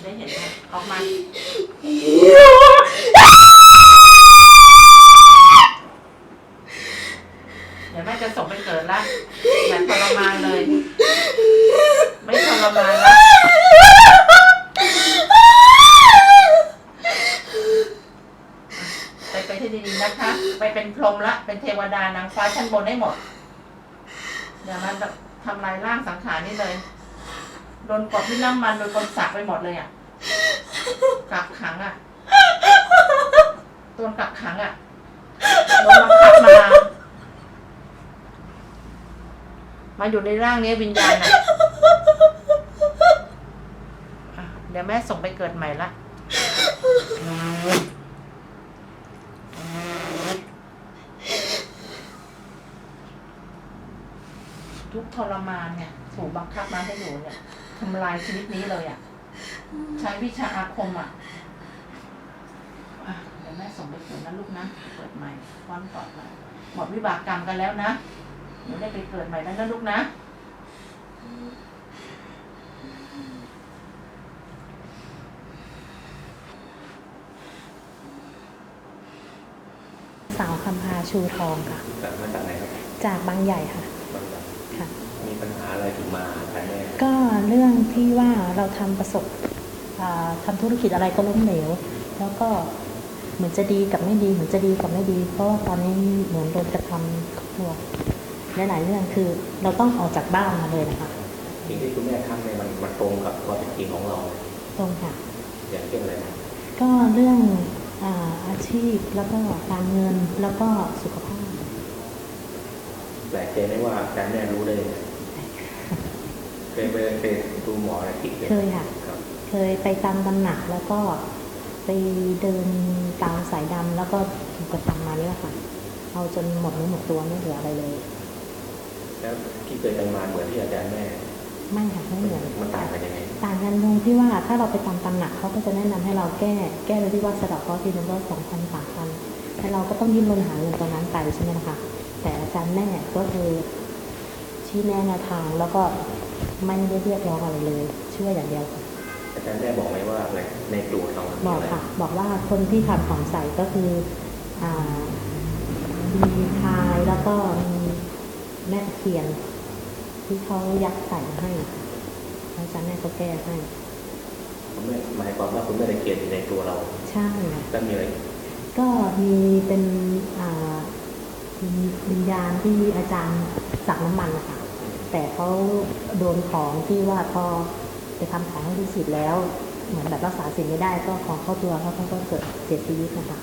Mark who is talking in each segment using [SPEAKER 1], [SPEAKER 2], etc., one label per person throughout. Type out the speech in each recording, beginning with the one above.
[SPEAKER 1] ได้เห็นไหมออกมาเดี๋ยวแม่จะส่งไปเกิดละอย่าทรมานเลยไม่ทรมานละไปที่ดีๆนะคะไปเป็นพรหมละเป็นเทวดานางฟ้าชั้นบนได้หมดเดี๋ยวมันทำลายร่างสังขารนี่เลยโดนกดที่น้ำมันโดนกดสักไปหมดเลยอ่ะกักขังอ่ะโดนกักขังอ่ะโดนบังคับมาอยู่ในร่างนี้วิญญาณอ่ะเดี๋ยวแม่ส่งไปเกิดใหม่ละทุกทรมานเนี่ยถูกบังคับมาให้หนูเนี่ยทำลายชีวิตนี้เลยอ่ะใช้วิชาอาคมอ่ะเดี๋ยวแม่ส่งไปเกิดนะลูกนะเกิดใหม่ฟ้อนต่อไปหมดวิบากกรรมกันแล้วนะหนูได้ไปเกิดใหม่แล้วนะลูกนะ
[SPEAKER 2] สาวคำพาชูทองค่ะ
[SPEAKER 3] มาจากไหนครับ
[SPEAKER 2] จากบางใหญ่ค่ะ
[SPEAKER 3] บางใหญ่
[SPEAKER 2] ค่ะ
[SPEAKER 3] มีปัญหาอะไรถึงมาหาแม่
[SPEAKER 2] ก็เรื่องที่ว่าเราทำธุรกิจอะไรก็ล้มเหลวแล้วก็เหมือนจะดีกับไม่ดีเหมือนจะดีกับไม่ดีเพราะว่าตอนนี้เหมือนโดนกระทำครอบครัวหลายๆเรื่องคือเราต้องออกจากบ้านมาเลยนะคะ
[SPEAKER 3] สิ่งที่คุณแม่ทำเนี่ยมันตรงกับความเป็นจริงของเรา
[SPEAKER 2] ตรงค่ะ
[SPEAKER 3] อย่างเช่นอะไรนะ
[SPEAKER 2] ก็เรื่องอาชีพแล้วก็การเงินแล้วก็สุขภาพ
[SPEAKER 3] แปลกใจไหมว่าการแม่รู้ได้เคยดูหมออะไรที่
[SPEAKER 2] เคยค่ะเคยไปตามตำหนักแล้วก็ไปเดินตามสายดำแล้วก็ถูกกระทำมานี่แหละค่ะเอาจนหมดเนื้อหมดตัวไม่เหลืออะไรเลย
[SPEAKER 3] แล้วที่เคยไปมาเหมือนที่อาจารย์แม่
[SPEAKER 2] ไม่ค่ะไม่เหมือน
[SPEAKER 3] มันต่างกันยังไง
[SPEAKER 2] ต่างกันตรงที่ว่าถ้าเราไปตามตำหนักเขาก็จะแนะนำให้เราแก้โดยที่ว่าสะดอกเคราะห์ทีนึงก็2,000 3,000แต่เราก็ต้องดิ้นรนหาเงินตรงนั้นไปใช่ไหมนะคะแต่อาจารย์แม่ก็คือชี้แนะทางแล้วก็ไม่ได้เรียกร้องอะไรเลยช่วยอย่างเดียวค่ะ
[SPEAKER 3] อาจารย์แม่บอกไหมว่าในตัวเรา
[SPEAKER 2] บอกค่ะบอกว่าคนที่ทำของใส่ก็คือมีพายแล้วก็มีแม่เขียนที่เขายัดใส่ให้อาจารย์แม่ก็แก้ให้
[SPEAKER 3] คุณแม่หมายความว่าคุณแม่ได้เขียนในตัวเรา
[SPEAKER 2] ใช่
[SPEAKER 3] แล้วมีอะไร
[SPEAKER 2] ก็มีเป็นวิญญาณที่อาจารย์สักน้ำมันนะคะแต่เขาโดนของที่ว่าพอไปทำของให้ลูกศิษย์แล้วเหมือนแบบรักษาสิ่งไม่ได้ก็ของเข้าตัวเขาก็เกิดเสียชีวิตนะคะ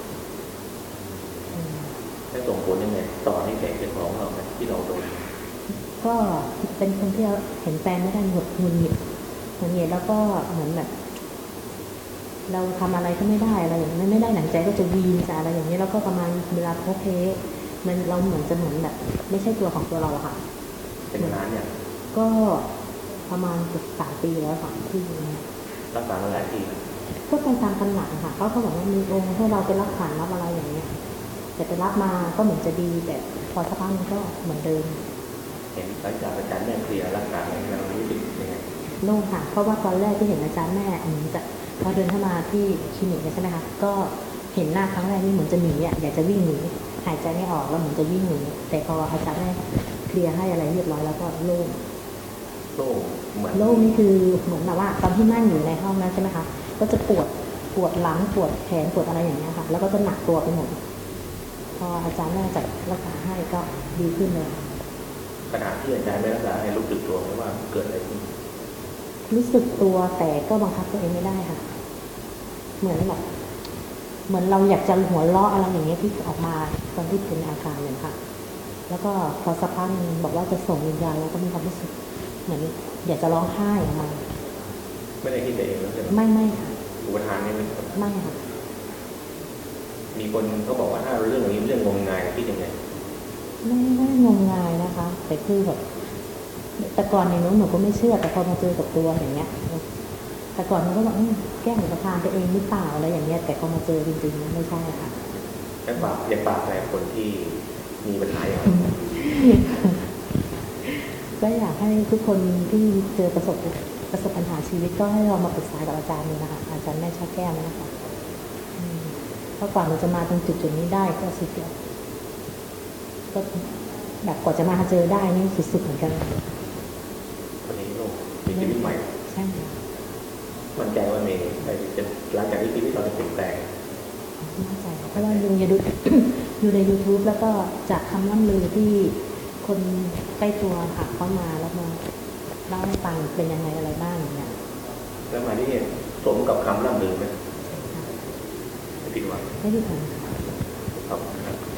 [SPEAKER 3] ได้ส่งผลยังไงต่อที่แผลเป็นของเราที่เราโดน
[SPEAKER 2] ก็เป็นคนที่เห็นแฟนไม่ได้หงุดหงิดแล้วก็เหมือนแบบเราทำอะไรก็ไม่ได้อะไรอย่างนี้ไม่ได้หนังใจก็จะวีนจะอะไรอย่างนี้แล้วก็ประมาณเวลาโพเพมันเราเหมือนแบบไม่ใช่ตัวของตัวเราค่ะ
[SPEAKER 3] เป็นนานเนี่ย
[SPEAKER 2] ก็ประมาณเกือบ3 ปีแล้วค่ะที่
[SPEAKER 3] รักษามาหลายปี
[SPEAKER 2] ก็ไปตามตำหนักค่ะเขาบอกว่ามีองค์ให้เราไปรับขันรับอะไรอย่างเงี้ยแต่ไปรับมาก็เหมือนจะดีแต่พอสักพักมันก็เหมือนเดิม
[SPEAKER 3] เห็นอาจารย์แม่เคลียร์รักษาเรารู้สึกยังไง
[SPEAKER 2] โล่งค่ะเพราะว่าตอนแรกที่เห็นอาจารย์แม่เหมือนจะพอเดินเข้ามาที่คลินิกใช่ไหมคะก็เห็นหน้าครั้งแรกนี่เหมือนจะหนีอยากจะวิ่งหนีหายใจไม่ออกแล้วเหมือนจะวิ่งหนีแต่พออาจารย์แม่เคลียร์ให้อะไรเรียบร้อยแล้วก็โล่งนี่คือเหมือนแบบว่าตอนที่นั่งอยู่ในห้องนั้นใช่ไหมคะก็จะปวดหลังปวดแขนปวดอะไรอย่างเงี้ยค่ะแล้วก็จะหนักตัวไปหมดพออาจารย์แม่จัดรักษาให้ก็ดีขึ้นเลย
[SPEAKER 3] ขณะที่อาจารย์ไม่รักษาให้รู้สึกตัวไหมว่าเกิดอะไรขึ้น
[SPEAKER 2] รู้สึกตัวแต่ก็บังคับตัวเองไม่ได้ค่ะเหมือนเราอยากจะหัวเราะอะไรอย่างเงี้ยที่ออกมาตอนที่เป็นอาการเลยค่ะแล้วก็พอสักพักนึงบอกว่าจะส่งวิญญาณแล้วก็มีความรู้สึกเหมือนอยากจะร้องไห้ออกมา
[SPEAKER 3] ไม่ได้คิดเองแล้วใช่ไหม
[SPEAKER 2] ไม่ค่ะ
[SPEAKER 3] อุปทานนี่
[SPEAKER 2] ไม่ค่ะ
[SPEAKER 3] มีคนเขาบอกว่าถ้าเรื่องนี้เรื่องงมงายคิดยังไง
[SPEAKER 2] ไม่งมงายนะคะแต่คือแบบแต่ก่อนในนู้นหนูก็ไม่เชื่อแต่พอมาเจอกับตัวอย่างเงี้ยแต่ก่อนมันก็บอกแก้อุปทานตัวเองหรือเปล่าอะไรอย่างเงี้ยแต่พอมาเจอจริงๆไม่ใช่ค่ะ
[SPEAKER 3] อยากฝากอะไรคนที่มีปัญหาอย่าง
[SPEAKER 2] ก็อยากให้ทุกคนที่เจอประสบประสบปัญหาชีวิตก็ให้เรามาปรึกษากับอาจารย์นี่นะคะอาจารย์แม่ช่อแก้วนะคะเพราะกว่าเราจะมาตรงจุดนี้ได้ก็สุดยอดก็แบบกว่าจะมาเจอได้นี่สุดๆเหมือนกัน
[SPEAKER 3] วันนี้โลกมีชีวิตใหม่
[SPEAKER 2] ใช่ค่ะ
[SPEAKER 3] มั่นใจว่าเมย์จะหลังจากที่ชีวิตเราจะเปลี่ยนแปลง
[SPEAKER 2] มั่นใจเพราะว่าดูอย่าดู ดูใน YouTube แล้วก็จากคำล่ำลือที่คนใกล้ตัวค่ะเข้ามาแล้วมาเล่าให้ฟังเป็นยังไงอะไรบ้างอย่างเงี้ย
[SPEAKER 3] แล้วมาที่นี่สมกับคำล่ำลือไหมไม่ผิดหวัง
[SPEAKER 2] ไม่ได้ผล
[SPEAKER 3] ครับ